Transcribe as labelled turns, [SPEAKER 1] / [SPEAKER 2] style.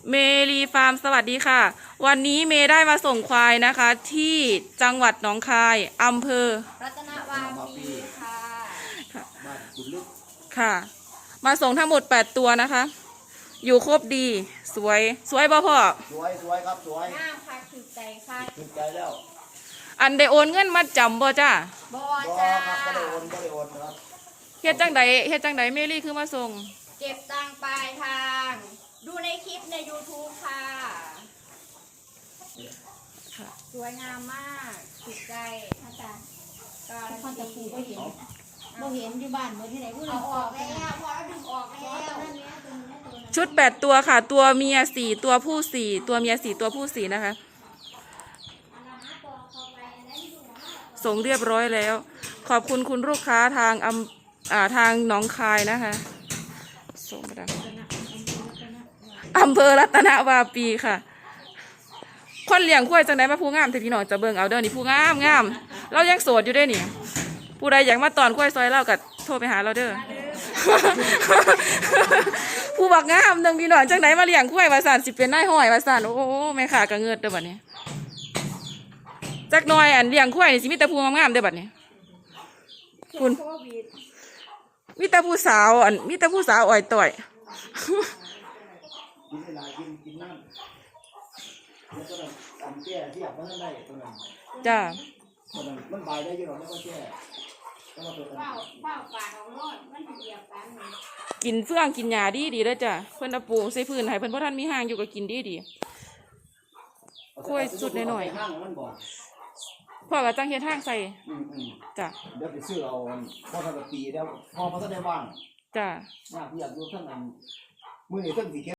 [SPEAKER 1] เมรีฟาร์มสวัสดีค่ะวันนี้เมย์ได้มาส่งควายนะคะที่จังหวัดหนองคายอำเภอ
[SPEAKER 2] รัตนวาปีค่ะ
[SPEAKER 3] บ้านกุดลึก
[SPEAKER 1] ค่ะมาส่งทั้งหมด8ตัวนะคะอยู่ครบดีสวยบ่พ่อ
[SPEAKER 3] สวยครับสวย
[SPEAKER 2] งามค่ะถูกใจค่ะ
[SPEAKER 3] ถูกใจแล้ว
[SPEAKER 1] อันได้โอนเงินมาจำบ่จ้า
[SPEAKER 2] บอจ้า
[SPEAKER 3] ครับก็ได้โอนครับ
[SPEAKER 1] เฮ็ดจังใดเมรี่คือมาส่ง
[SPEAKER 2] เก็บตังค์ปลายทางดูในคลิปใน YouTube ค่ะสวยงามมากถูกใจอาจารย์การพันตะปูก็เห็นอยู่บ้านเมื่อที่ไหนพูดเอาออกแล้วพอแล้วดึงออกแล้ว
[SPEAKER 1] ชุด8ตัวค่ะตัวเมีย4ตัวผู้4ตัวเมีย4ตัวผู้4นะคะส่งเรียบร้อยแล้วขอบคุณคุณลูกค้าทางทางหนองคายนะคะส่งไปดังอำเภอรัตนวาปีค่ะคนเลี้ยงควายจังไดมาผู้งามแต่พี่น้องจะเบิ่งเอาเด้อนี่ผู้งามเรายังโสดอยู่ได้นี่ผู้ใดอยากมาตอนควายซอยเราก็โทรไปหาเราเด้อ ผู้บักงามนึงพี่น้องจังไดมาเลี้ยงควายว่าซั่นสิเป็นนายห้อยว่าซั่นโอ้แม่ขาก็เงิดเด้อบัดนี้จักหน่อยอันเลี้ยงควายนี่สิมีแต่ผู้งามๆเด้อบัดนี้คุณมีแต่ผู้สาวอ่อยต่อย
[SPEAKER 3] กินเวลากินน้ำแล้วก็ตำแก้ที่อยากมันได้ตัวนั้น
[SPEAKER 1] จ้า
[SPEAKER 3] ตัวนั้นมันบายได้อยู่หรอกไม่ก็แก้ก็มาตัวนั้น
[SPEAKER 2] เฝ้าปาดเอารอดมันเหยียบกัน
[SPEAKER 1] กินเฟื่องกินหญ้าดีเด้อจ้ะเพิ่นเอาปูใส่พื้นให้เพิ่นบ่ทันมีห้างอยู่ก็กินดีค่อยสุดหน่อยๆพ่อก็จังเฮ็ดห้างใส่จ้ะ
[SPEAKER 3] เดี๋ยวไปซื้อเอาพ่อทำปีแล้วพ่อเขาได้ว่าง
[SPEAKER 1] จ้ะ
[SPEAKER 3] อยากอยู่ทั้งนั้นมื้อนี้ทั้งสิ